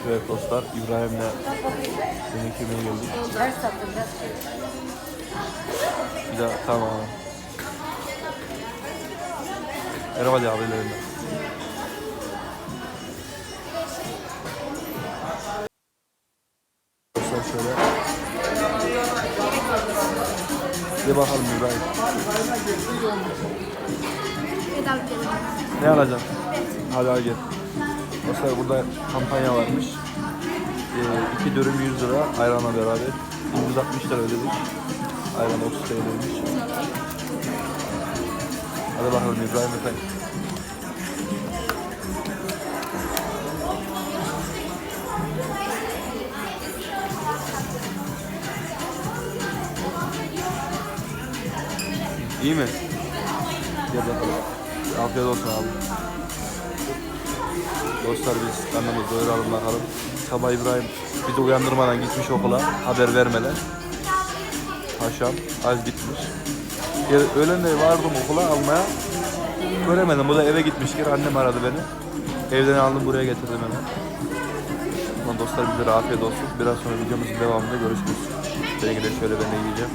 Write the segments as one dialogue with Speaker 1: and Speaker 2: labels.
Speaker 1: Evet dostlar, İbrahim'le yemek yemeye geldik. Bir daha tamam. Merhaba diye abilerimle. Dostlar şöyle. Bir bakalım İbrahim. Ne alacaksın? Hadi al gel. Dostlar burada kampanya varmış. 2 dürüm 100 lira ayranla beraber. 160 lira ödedik. Ayran 30 TL'ymiş. Hadi bakalım İbrahim efendim. İyi mi? Gel bakalım. Afiyet olsun abi. Dostlar biz karnımızı doyuralım bakalım. Sabah İbrahim bizi uyandırmadan gitmiş okula. Haber vermeden. Paşam az gitmiş. Öğlen de vardım okula almaya. Göremedim. Bu da eve gitmiştir. Annem aradı beni. Evden aldım buraya getirdim hemen. Tamam dostlar bize afiyet olsun. Biraz sonra videomuzun devamında görüşürüz. Belki de şöyle ben de yiyeceğim.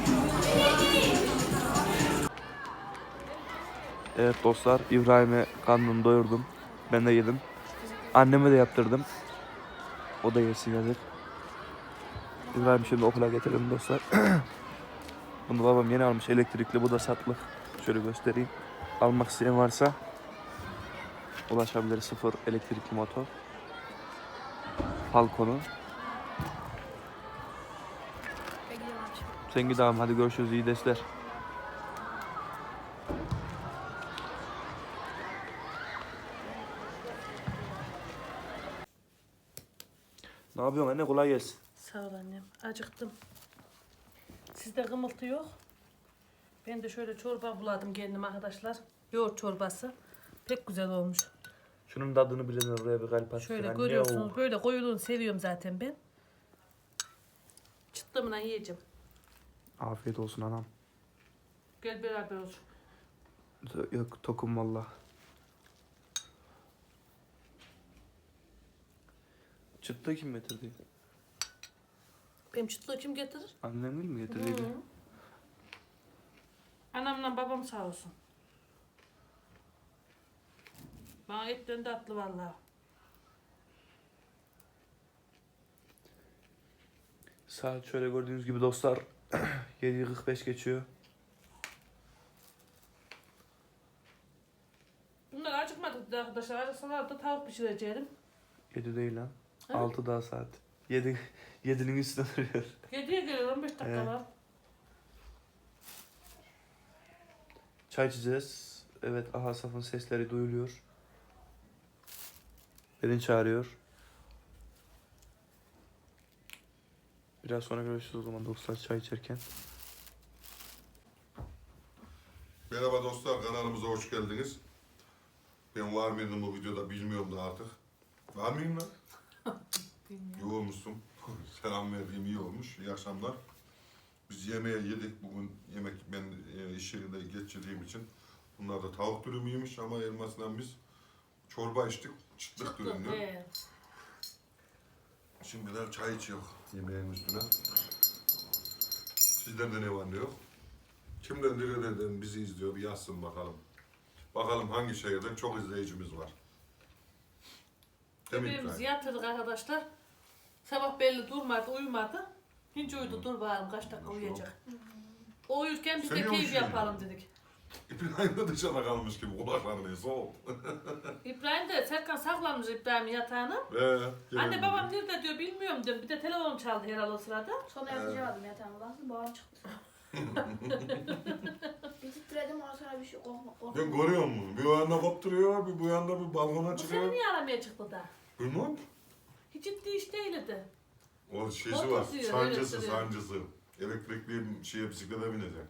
Speaker 1: Evet dostlar İbrahim'e karnını doyurdum. Ben de yedim. Anneme de yaptırdım. O da yesin yazık. İbrahim şimdi okula getirdim dostlar. Bunu babam yeni almış elektrikli. Bu da satlık. Şöyle göstereyim. Almak isteyen varsa ulaşabilir. Sıfır elektrikli motor. Falcon'u. Sen gidelim hadi görüşürüz iyi dersler. Ne yapıyorsun anne kolay gelsin.
Speaker 2: Sağ ol annem. Acıktım. Sizde kımıltı yok. Ben de şöyle çorba buladım kendim arkadaşlar. Yoğurt çorbası. Pek güzel olmuş.
Speaker 1: Şunun tadını bilen oraya bir kalp atsın.
Speaker 2: Şöyle
Speaker 1: anne,
Speaker 2: görüyorsunuz. Böyle koyuluğunu seviyorum zaten ben. Çıttımla yiyeceğim.
Speaker 1: Afiyet olsun anam.
Speaker 2: Gel beraber olsun.
Speaker 1: Yok tokum valla. Çıktı kim getirdi?
Speaker 2: Benim çıtlığı kim getirir?
Speaker 1: Annem değil mi getirdiydi?
Speaker 2: Hı. Anamla babam sağ olsun. Bana etten tatlı vallahi.
Speaker 1: Saat şöyle gördüğünüz gibi dostlar 7:45 geçiyor.
Speaker 2: Bunlar acıkmadık arkadaşlar. Acıksalar da tavuk pişireceğim.
Speaker 1: 7 değil lan.
Speaker 2: Ha?
Speaker 1: 6 daha saat. 7'nin üstüne duruyor.
Speaker 2: 7'ye geliyor 15 dakika
Speaker 1: Evet.
Speaker 2: var.
Speaker 1: Çay içeceğiz. Evet Ahasaf'ın sesleri duyuluyor. Beni çağırıyor. Biraz sonra görüşürüz o zaman dostlar çay içerken.
Speaker 3: Merhaba dostlar, kanalımıza hoş geldiniz. Ben var mıydım bu videoda bilmiyorum da artık. Var mıyım lan? İyi olmuşsun. Selam verdiğim iyi olmuş. İyi akşamlar. Biz yemeğe yedik. Bugün yemek ben iş yerinde geçirdiğim için. Bunlar da tavuk dürümüymüş ama elmasından biz çorba içtik. Çıtlık dürümlü.
Speaker 2: Evet.
Speaker 3: Şimdi de çay içiyor yemeğin üstüne. Sizlerde ne var ne yok? Kimden nerelerden bizi izliyor bir yazsın bakalım. Bakalım hangi şehirden çok izleyicimiz var.
Speaker 2: Bebeğimizi yatırdık arkadaşlar. Sabah belli durmadı, uyumadı. Hiç uyudu, dur bakalım kaç dakika uyuyacak. O uyurken biz de
Speaker 3: Sen
Speaker 2: keyif
Speaker 3: uyuyorsun
Speaker 2: yapalım dedik.
Speaker 3: İbrahim de dışarıda kalmış gibi kulakları neyse o.
Speaker 2: İbrahim de Serkan saklanmış İbrahim'in yatağına. Anne babam nerede diyor bilmiyorum diyorum. Bir de telefon çaldı herhalde o sırada.
Speaker 4: Sonra yatacağım yatağıma baktım boğam çıktı. Bir titredim ondan sonra bir şey korkma.
Speaker 3: Ben görüyor musun? Bir o yanda kopturuyor, bir bu yanda bir balkona
Speaker 2: Bu
Speaker 3: çıkıyor.
Speaker 2: seni niye aramaya çıktı da?
Speaker 3: Bilmem.
Speaker 2: Hiç ciddi iş değildi.
Speaker 3: O şeysi
Speaker 2: Motor
Speaker 3: var,
Speaker 2: sürüyor,
Speaker 3: sancısı,
Speaker 2: öyle sürüyor.
Speaker 3: sancısı. Elektrikli bisiklete binecek.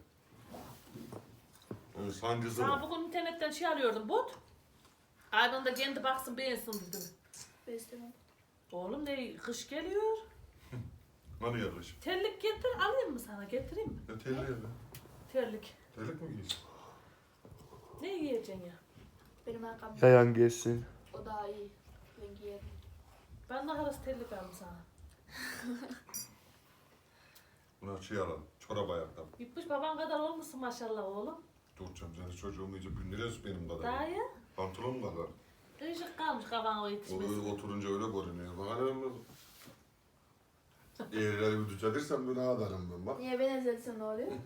Speaker 3: Yani sancısı
Speaker 2: Sana
Speaker 3: var.
Speaker 2: bugün internetten şey arıyordum bot. Aynen da kendi baksın beğensin dedim.
Speaker 4: Beslemem.
Speaker 2: Oğlum ne kış geliyor.
Speaker 3: Hani yaklaşık?
Speaker 2: Terlik getir alayım mı sana getireyim mi?
Speaker 3: Ne telli ya be?
Speaker 2: Terlik.
Speaker 3: Terlik mi giysin?
Speaker 2: Ne giyeceksin ya?
Speaker 4: Benim ayakkabım
Speaker 1: Yayan gelsin.
Speaker 4: o daha iyi. Ben giyerim.
Speaker 2: Ben de arası terlik aldım sana.
Speaker 3: Buna şey alalım. Çorap ayaktan.
Speaker 2: İpmiş baban kadar olmuşsun maşallah oğlum.
Speaker 3: Dur canım seni çocuğum iyice bündürüyoruz benim kadar.
Speaker 2: Daha ya.
Speaker 3: Pantolon kadar.
Speaker 2: Kıyışık kalmış kafana o
Speaker 3: O
Speaker 2: yetişmesi.
Speaker 3: öyle oturunca öyle görünüyor. Bak hele ben eğrileri bir düzeltirsem böyle adarım ben bak.
Speaker 4: Niye beni ezilsin ne oluyor?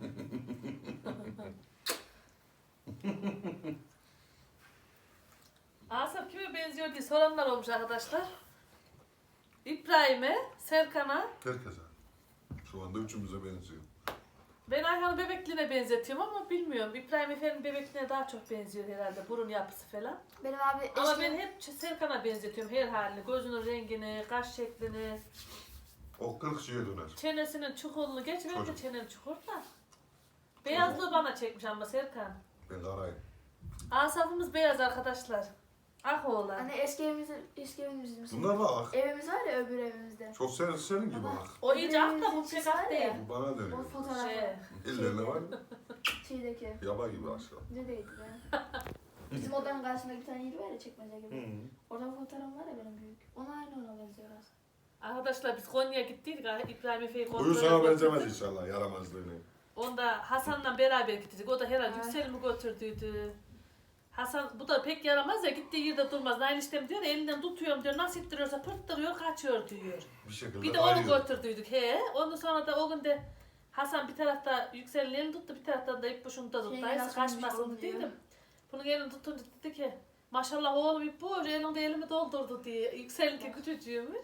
Speaker 2: Asaf kime benziyor diye soranlar olmuş arkadaşlar. İbrahim'e, Serkan'a,
Speaker 3: Herkese. Şu anda üçümüze benziyor.
Speaker 2: ben Ayhan'ı bebekliğine benzetiyorum ama bilmiyorum. İbrahim Efe'nin bebekliğine daha çok benziyor herhalde. Burun yapısı falan.
Speaker 4: Benim abi
Speaker 2: Ama
Speaker 4: eski...
Speaker 2: ben hep Serkan'a benzetiyorum her halini. Gözünün rengini, kaş şeklini,
Speaker 3: O 40 şeye döner.
Speaker 2: çenesinin çukurluğunu. Gerçi benim de
Speaker 3: Çocuk.
Speaker 2: çenem çukur da. Beyazlığı bana çekmiş ama Serkan.
Speaker 3: Ben karayım.
Speaker 2: Asafımız beyaz arkadaşlar. Ah oğlan.
Speaker 4: Hani eski evimiz
Speaker 3: Bunlar bak.
Speaker 4: Evimiz var ya öbür evimizde.
Speaker 3: Çok senin gibi bak.
Speaker 2: O iyice ak da bu pek ak değil.
Speaker 3: Bu bana
Speaker 4: O
Speaker 3: dönüyor.
Speaker 4: fotoğrafı.
Speaker 2: Şey,
Speaker 3: Ellerine var.
Speaker 4: Şeydeki.
Speaker 3: Yaba gibi aşağı.
Speaker 4: Neredeydi be? Bizim odanın karşısında bir tane yeri var ya çekmece gibi. Orada fotoğraf var ya benim büyük. Ona aynı ona benziyor aslında.
Speaker 2: arkadaşlar biz Konya'ya gittiydik. İbrahim Efe'yi
Speaker 3: Uyu
Speaker 2: kontrol
Speaker 3: sana
Speaker 2: ettik.
Speaker 3: benzemez inşallah yaramazlığını.
Speaker 2: Onda Hasan'la beraber gittik. O da herhalde
Speaker 4: Ay.
Speaker 2: Yüksel'imi götürdüydü. Hasan bu da pek yaramaz ya, gittiği yerde durmaz. Nail istem diyor, elinden tutuyorum diyor, nasıl ittiriyorsa pırttırıyor, kaçıyor diyor.
Speaker 3: Bir şekilde
Speaker 2: Bir de onu
Speaker 3: arıyor.
Speaker 2: götürdüydük he. Ondan sonra da o gün de Hasan bir tarafta Yüksel'in elini tuttu, bir taraftan da İpboş'un da tuttu.
Speaker 4: Şey,
Speaker 2: Dayısı
Speaker 4: nasıl
Speaker 2: kaçmasın
Speaker 4: olmuş
Speaker 2: dedim. Bunun elini tutunca dedi ki maşallah oğlum İpboş elinde elimi doldurdu diye. Yüksel'inki küçücüğümüş.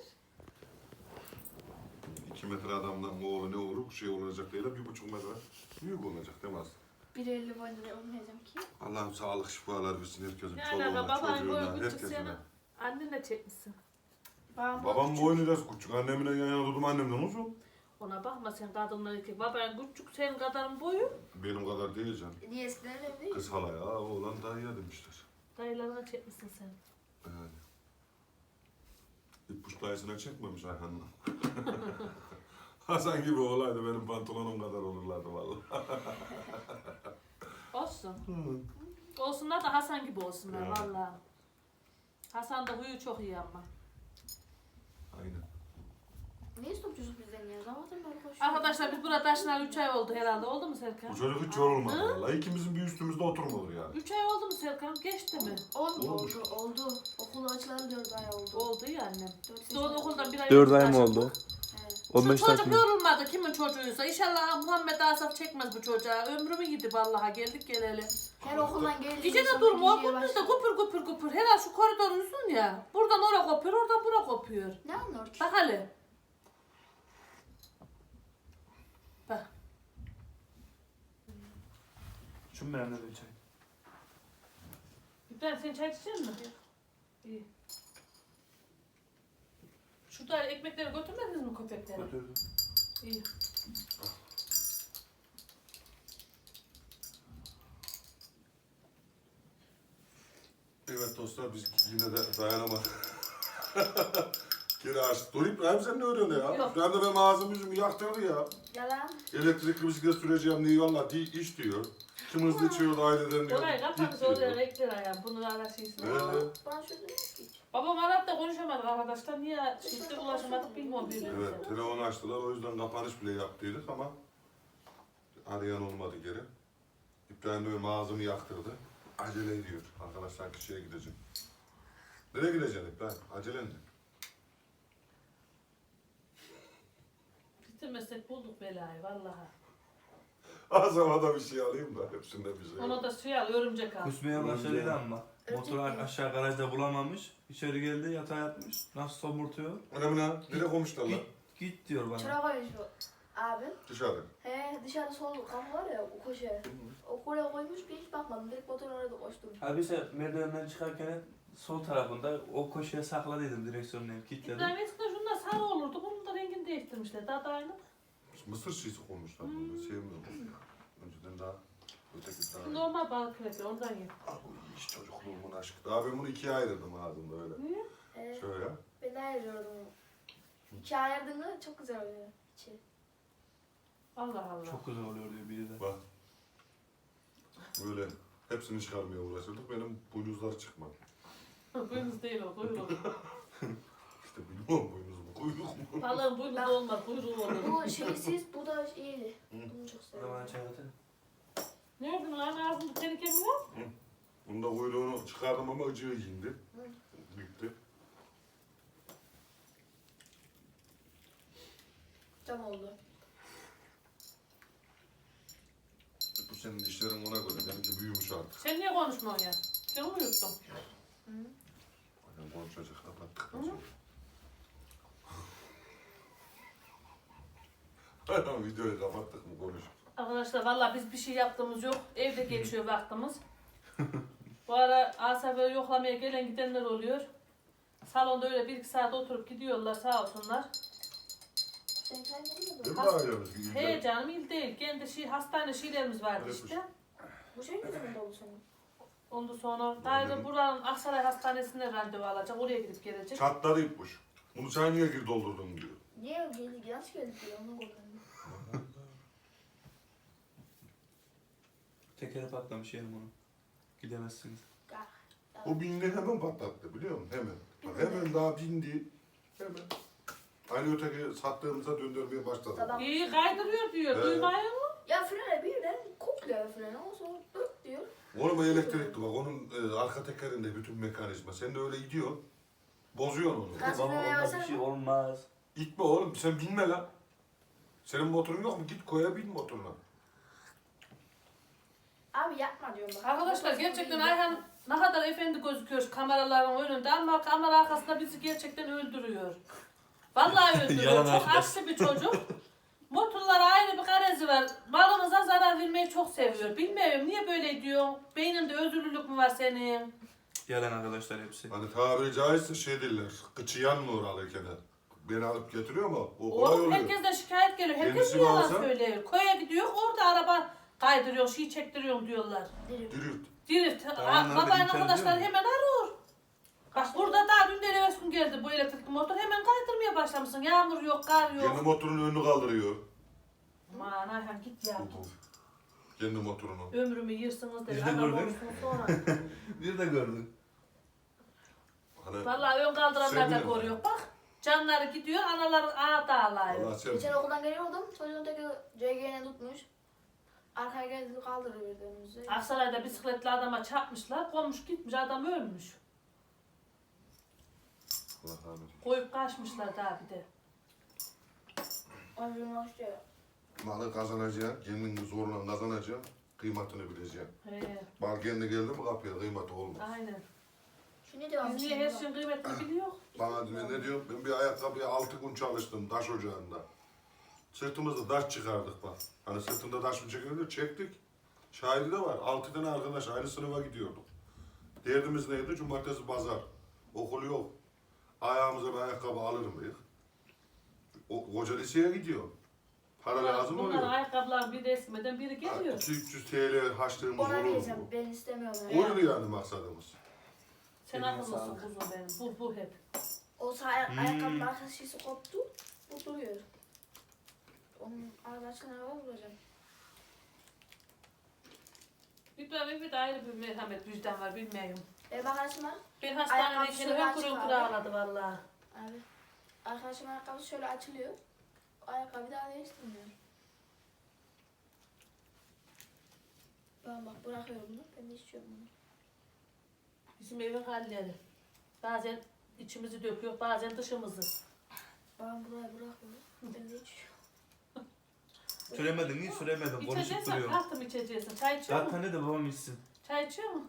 Speaker 3: 2 metre adamdan oğlu ne olur şey olacak değil de 1,5 metre büyük olacak demez.
Speaker 4: 1.50 boyunda da olmayacağım ki.
Speaker 3: Allah'ım sağlık şifalar versin herkesin.
Speaker 2: Ne alaka
Speaker 3: Çoluğuna,
Speaker 2: babanın boyu
Speaker 3: çocuğuna,
Speaker 2: küçük
Speaker 3: herkesine.
Speaker 2: senin. Annenle çekmişsin.
Speaker 3: Babam boynu da küçük. Annemle yan yana durdum annemden uzun.
Speaker 2: Ona bakma sen kadınlar ki baban küçük senin kadarın boyu.
Speaker 3: Benim kadar değil canım.
Speaker 4: Niye eskiden öyle değil?
Speaker 3: Kız hala ya oğlan dayıya demişler.
Speaker 2: Dayılarına çekmişsin sen.
Speaker 3: Yani. İppuş dayısına çekmemiş Ayhan'la. Hasan gibi olaydı benim pantolonum kadar olurlardı vallahi.
Speaker 2: Olsun. Olsunlar da Hasan gibi olsunlar
Speaker 3: Ya.
Speaker 2: vallahi. Hasan da huyu çok iyi ama.
Speaker 3: Aynen.
Speaker 4: Niye stopçusun bizden ya? Zaten böyle koşuyor.
Speaker 2: Arkadaşlar biz burada taşınalı 3 ay oldu herhalde. Oldu mu
Speaker 3: Bu
Speaker 2: Serkan?
Speaker 3: çocuk hiç yorulmadı vallahi. İkimizin bir üstümüzde oturmadı yani.
Speaker 2: 3 ay oldu mu Serkan? Geçti mi?
Speaker 4: Oldu. Okul açılalı 4 ay oldu.
Speaker 2: Oldu ya annem.
Speaker 4: 4
Speaker 2: Biz onu okuldan bir ay
Speaker 1: 4
Speaker 2: önce
Speaker 1: ay mı
Speaker 2: taşıdık.
Speaker 1: oldu?
Speaker 4: Evet.
Speaker 2: Şu
Speaker 1: 15
Speaker 2: çocuk
Speaker 1: dakika.
Speaker 2: yorulmadı kimin çocuğuysa. İnşallah Muhammed Asaf çekmez bu çocuğa. Ömrümü yedi vallahi geldik geleli.
Speaker 4: Her okuldan geldi.
Speaker 2: Gece de durma o gündüz de kupur kupur kupur. Herhalde şu koridor uzun ya. Buradan oraya kopuyor, oradan buraya kopuyor.
Speaker 4: Ne anlıyor ki?
Speaker 2: Bak hele. Bak.
Speaker 1: Şu mu beğendin çay?
Speaker 2: İbrahim sen çay içecek misin? İyi. Şurada ekmekleri götürmediniz mi köpeklere?
Speaker 1: Götürdüm.
Speaker 2: İyi.
Speaker 3: Evet dostlar biz yine de dayanamadık. Geri açtık. Dur İbrahim sen ne öğreniyorsun ya?
Speaker 2: Yok.
Speaker 3: İbrahim de benim ağzım yüzümü yaktırdı ya.
Speaker 4: Yalan.
Speaker 3: Elektrikli bisiklet süreceğim diye valla iş diyor. Kim hızlı içiyor da aileden diyor.
Speaker 2: Orayı kapanmış
Speaker 3: Git diyor.
Speaker 2: oraya renkler ayağım. Bunu araştırsın.
Speaker 4: Bana şöyle demek ki.
Speaker 2: Babam aradı da konuşamadık arkadaşlar. Niye şiddet ulaşamadık bilmiyorum birbirimize.
Speaker 3: Evet telefonu açtılar o yüzden kapanış bile yaptıydık ama arayan olmadı geri. İbrahim de benim ağzımı yaktırdı. Acele ediyor. Arkadaşlar kişiye gideceğim. Nereye gideceksin İbrahim? Acelen ne?
Speaker 2: Bitirmesek bulduk belayı vallahi.
Speaker 3: Ağzıma da bir şey alayım da hepsinde bir şey.
Speaker 2: Ona da suya al, örümcek al.
Speaker 1: Kusmaya başladı ama.
Speaker 4: Örümcek
Speaker 1: Motoru
Speaker 4: mi?
Speaker 1: aşağı garajda bulamamış. İçeri geldi yatağa yatmış. Nasıl somurtuyor?
Speaker 3: Önemli ha. Nereye koymuşlar lan?
Speaker 1: Git diyor bana.
Speaker 4: Çıra koymuş bu abi.
Speaker 3: Dışarı.
Speaker 4: He dışarı sol kapı var ya o köşe. O oraya koymuş bir hiç bakmadım. Direkt motorun oraya da koştum.
Speaker 1: Abi ise merdivenden çıkarken sol tarafında o köşeye sakladıydım direksiyonunu kilitledim.
Speaker 2: İbrahim eskiden şunlar sarı olurdu. Bunun da rengini değiştirmişler. Daha da aynı.
Speaker 3: Mısır şişi koymuşlar bunu. Sevmiyorum ya. Önceden daha öteki daha.
Speaker 2: Normal balık krepi ondan ye.
Speaker 3: Ah bu iş çocukluğumun aşkı. Daha ben bunu ikiye ayırdım ağzımda öyle.
Speaker 2: Niye?
Speaker 3: Şöyle.
Speaker 4: Ben de ayırıyordum. İki ayırdığında çok güzel oluyor. İçi.
Speaker 2: Allah Allah.
Speaker 1: Çok güzel oluyor diyor biri de.
Speaker 3: Bak. Böyle hepsini çıkarmaya uğraşırdık. Benim buynuzlar çıkmadı.
Speaker 2: Buyurunuz değil o. Buyurun.
Speaker 3: İşte Boynuz mu? Kuyruk mu?
Speaker 2: Balığın boynu da olmaz, kuyruğu olur.
Speaker 4: Bu şeysiz, bu da iyiydi. Bunu çok
Speaker 1: O zaman
Speaker 4: seviyorum.
Speaker 1: çay atın.
Speaker 2: Nerede lan ağzında teneke mi var?
Speaker 3: Bunda kuyruğunu çıkardım ama acığı indi. Bitti.
Speaker 4: Tam oldu.
Speaker 3: Bu senin dişlerin ona göre. Benimki büyümüş artık.
Speaker 2: Sen niye konuşmuyorsun ya? Canımı yuttum.
Speaker 3: Aynen konuşacak. Kapattık. Aynen videoyu kapattık mı konuş.
Speaker 2: Arkadaşlar vallahi biz bir şey yaptığımız yok. Evde geçiyor vaktimiz. Bu ara Asaf'ı yoklamaya gelen gidenler oluyor. Salonda öyle 1-2 saat oturup gidiyorlar sağ olsunlar.
Speaker 4: Sen kaybedin
Speaker 3: Değil
Speaker 4: mi?
Speaker 3: mi ailemiz?
Speaker 2: He canım il değil. Kendi hastane şeylerimiz vardı
Speaker 3: Öyle
Speaker 2: işte.
Speaker 4: Bu şey yüzünden dolu senin.
Speaker 2: Ondan sonra daire buranın Aksaray Hastanesi'ne randevu alacak. Oraya gidip gelecek.
Speaker 3: Çatladı ipmiş. Bunu sen niye gir doldurdun diyor.
Speaker 4: Niye geldik? Nasıl geldik diyor. Onu kullandım.
Speaker 1: Tekeri patlamış yerim onu. Gidemezsiniz.
Speaker 3: O bindi hemen patlattı biliyor musun? Hemen. Bak hemen daha bindi. Hemen. Aynı öteki sattığımıza döndürmeye başladı.
Speaker 4: Sabah.
Speaker 2: İyi kaydırıyor diyor.
Speaker 3: Evet.
Speaker 2: Duymuyor mu?
Speaker 4: Ya frene birden kokluyor frene. Ondan sonra ıp diyor.
Speaker 3: Oğlum o elektrikli bak onun arka tekerinde bütün mekanizma. Sen de öyle gidiyor. Bozuyorsun onu.
Speaker 4: Gaz
Speaker 1: Baba
Speaker 4: freneye
Speaker 1: onda
Speaker 4: basar
Speaker 1: bir şey
Speaker 4: mı?
Speaker 1: olmaz.
Speaker 3: Gitme oğlum sen binme lan. Senin motorun yok mu? Git koya bin motoruna.
Speaker 4: Abi yapma diyorum bak.
Speaker 2: Arkadaşlar gerçekten Ayhan ne kadar efendi gözüküyor kameraların önünde ama kamera arkasında bizi gerçekten öldürüyor. Vallahi öldürüyor.
Speaker 1: Yalan
Speaker 2: Çok
Speaker 1: arkadaş.
Speaker 2: aksi bir çocuk. Motorlara ayrı bir garezi var. Malımıza zarar vermeyi çok seviyor. Bilmiyorum niye böyle diyor. Beyninde özürlülük mü var senin?
Speaker 1: Yalan arkadaşlar hepsi.
Speaker 3: Hani tabiri caizse şey derler. Kıçı yanmıyor alırken. Beni alıp getiriyor ama o kolay
Speaker 2: Oğlum
Speaker 3: oluyor.
Speaker 2: herkesten şikayet geliyor. Herkes
Speaker 3: Kendisi
Speaker 2: bir yalan
Speaker 3: bağırsa-
Speaker 2: söylüyor. Koya gidiyor orada araba kaydırıyor, şey çektiriyor diyorlar.
Speaker 4: Diri.
Speaker 3: Dirirt.
Speaker 2: Dirit.
Speaker 1: Tamam,
Speaker 2: Babanın
Speaker 1: nerede?
Speaker 2: arkadaşlar
Speaker 1: İmkan diyor
Speaker 2: hemen arıyor. Bak burada daha dün de gün geldi bu elektrikli motor. Hemen kaydırmaya başlamışsın. Yağmur yok, kar
Speaker 3: Kendi
Speaker 2: yok.
Speaker 3: motorun önünü kaldırıyor.
Speaker 2: Aman Ayhan git ya.
Speaker 3: Kendi motorunu.
Speaker 2: Ömrümü yırsınız dedi.
Speaker 1: Biz de
Speaker 2: Adam
Speaker 1: gördük.
Speaker 2: olsun sonra.
Speaker 1: Bir de gördün.
Speaker 3: Hani
Speaker 2: Vallahi ön kaldıranlar da
Speaker 3: Sevmiyorum.
Speaker 2: koruyor. Bak canları gidiyor, anaları dağılıyor.
Speaker 3: Allah sen
Speaker 4: Geçen okuldan geliyordum. Çocuğun teki CG'ne tutmuş. Arkaya geldi kaldırıyor önümüzü.
Speaker 2: Aksaray'da bisikletli adama çarpmışlar. Komş gitmiş, adam ölmüş.
Speaker 3: Allah rahmet eylesin.
Speaker 2: Koyup kaçmışlar daha bir de.
Speaker 4: Ömrüm hoş diyor.
Speaker 3: Malı kazanacaksın, kendini zorla kazanacaksın, kıymetini bileceksin.
Speaker 2: He,
Speaker 3: Bal kendi geldi mi kapıya kıymeti olmaz.
Speaker 2: aynen.
Speaker 4: Şu ne devam
Speaker 2: Biz niye her şeyin kıymetini biliyor?
Speaker 3: Bana diyor, ne diyor? Ben bir ayakkabıya 6 gün çalıştım taş ocağında. Sırtımızda taş çıkardık bak. Hani sırtında taş mı çekiyordu? Çektik. Şahidi de var. 6 tane arkadaş aynı sınıfa gidiyorduk. Derdimiz neydi? Cumartesi pazar. Okul yok. Ayağımıza bir ayakkabı alır mıyız? O koca liseye gidiyor. Para lazım
Speaker 2: Bunların
Speaker 3: oluyor.
Speaker 2: ayakkabılar biri eskimeden biri geliyor.
Speaker 3: 200-300 TL harçlığımız
Speaker 4: Ona
Speaker 3: olur
Speaker 4: diyeceğim.
Speaker 3: mu?
Speaker 4: Ben istemiyorum.
Speaker 3: Oydu yani maksadımız.
Speaker 2: Sen
Speaker 1: Eline
Speaker 2: akıllısın
Speaker 1: sağlık.
Speaker 2: kuzum benim. Bu hep.
Speaker 4: O sağ ayakkabının arka şişesi koptu. Bu duruyor. Onun arkadaşına araba bulacağım.
Speaker 2: İbrahim'in bir de ayrı bir merhamet vicdan var bilmiyorum.
Speaker 4: Benim arkadaşım var.
Speaker 2: Ben hastanedeyken
Speaker 4: Ayakkabısı
Speaker 2: hünkür
Speaker 4: açık
Speaker 2: hünkür
Speaker 4: abi.
Speaker 2: ağladı valla.
Speaker 4: Abi. Arkadaşım ayakkabısı şöyle açılıyor. O ayakkabıyı daha değiştirmiyor. Ben bak bırakıyorum bunu. Ben de içiyorum bunu.
Speaker 2: Bizim evin halleri. Bazen içimizi döküyor, bazen dışımızı.
Speaker 4: Ben buraya bırakıyorum. Ben de içiyorum.
Speaker 1: Süremedin iyi süremedin. Konuşup
Speaker 2: İçeceksen
Speaker 1: duruyorsun.
Speaker 2: kalktım içeceksin. Çay içiyor mu?
Speaker 1: Zaten ne de babam içsin.
Speaker 2: Çay içiyor mu?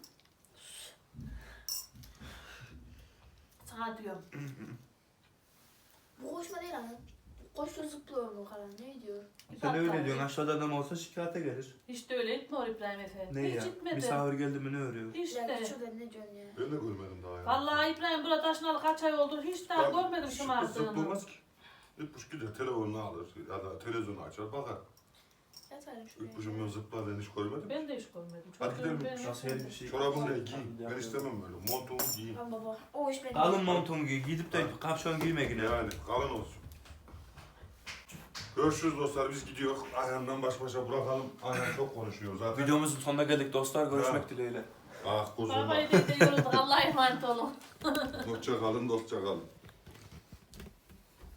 Speaker 2: Sana diyorum.
Speaker 4: Bu koşma değil ana. Koşuyor zıplıyor mu kalan? Ne diyor?
Speaker 1: Sen öyle diyorsun aşağıda adam olsa şikayete gelir.
Speaker 2: Hiç de öyle gitmiyor İbrahim Efe.
Speaker 1: Ne
Speaker 2: Hiç
Speaker 1: ya?
Speaker 2: gitmedi.
Speaker 1: Misafir geldi mi ne örüyor?
Speaker 4: Ya
Speaker 2: İşte.
Speaker 4: şurada ne diyorsun ya?
Speaker 3: Ben de görmedim daha ya.
Speaker 2: Vallahi İbrahim burada taşınalı kaç ay oldu hiç daha görmedim şımardığını.
Speaker 3: Zıplamaz ki. Gitmiş gider telefonunu alır ya da televizyonu açar bakar.
Speaker 4: Yatarım şuraya.
Speaker 3: Gitmişim ben zıpladığını hiç görmedim.
Speaker 2: Ben de hiç görmedim.
Speaker 3: Hadi
Speaker 2: Çocuğum
Speaker 3: gidelim.
Speaker 2: benim.
Speaker 1: Nasıl her bir şey.
Speaker 3: Çorabını da giy. Ben istemem böyle. Montumu giy.
Speaker 4: Tamam baba. O iş benim.
Speaker 1: Kalın montumu giy. Gidip de kapşon giyme yine.
Speaker 3: Yani kalın olsun. Görüşürüz dostlar biz gidiyoruz. Ayhan'dan baş başa bırakalım. Ayhan çok konuşuyor zaten.
Speaker 1: Videomuzun sonuna geldik dostlar. Görüşmek
Speaker 3: Ha.
Speaker 1: dileğiyle.
Speaker 3: Ah kuzum.
Speaker 2: Babayı da yorulduk. Allah'a emanet olun.
Speaker 3: Hoşça kalın, dostça kalın.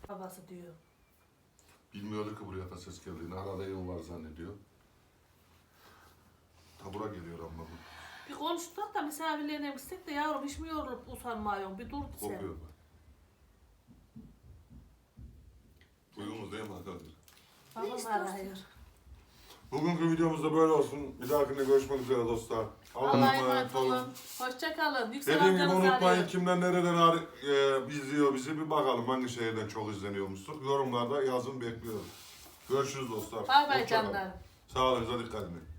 Speaker 2: Babası diyor.
Speaker 3: Bilmiyordu ki buraya da ses geldiğini. Arada evim var zannediyor. Tabura geliyor ama bu.
Speaker 2: Bir konuştuk da misafirlerine gitsek de yavrum hiç mi yorulup usanmıyorsun? Bir dur sen.
Speaker 3: Kokuyor bak. Uyumuz değil mi arkadaşlar?
Speaker 2: Babam arıyor.
Speaker 3: Bugünkü videomuz da böyle olsun. Bir dahakine görüşmek üzere dostlar.
Speaker 2: Allah'a emanet olun. Hoşça kalın. Yüksel
Speaker 3: Dediğim gibi
Speaker 2: amcanız
Speaker 3: unutmayın
Speaker 2: arıyor.
Speaker 3: kimden nereden izliyor bizi. Bir bakalım hangi şehirden çok izleniyormuştuk. Yorumlarda yazın bekliyorum. Görüşürüz dostlar.
Speaker 2: Bay bay
Speaker 3: Hoşça kalın.
Speaker 2: canlar.
Speaker 3: Sağlığınıza dikkat edin.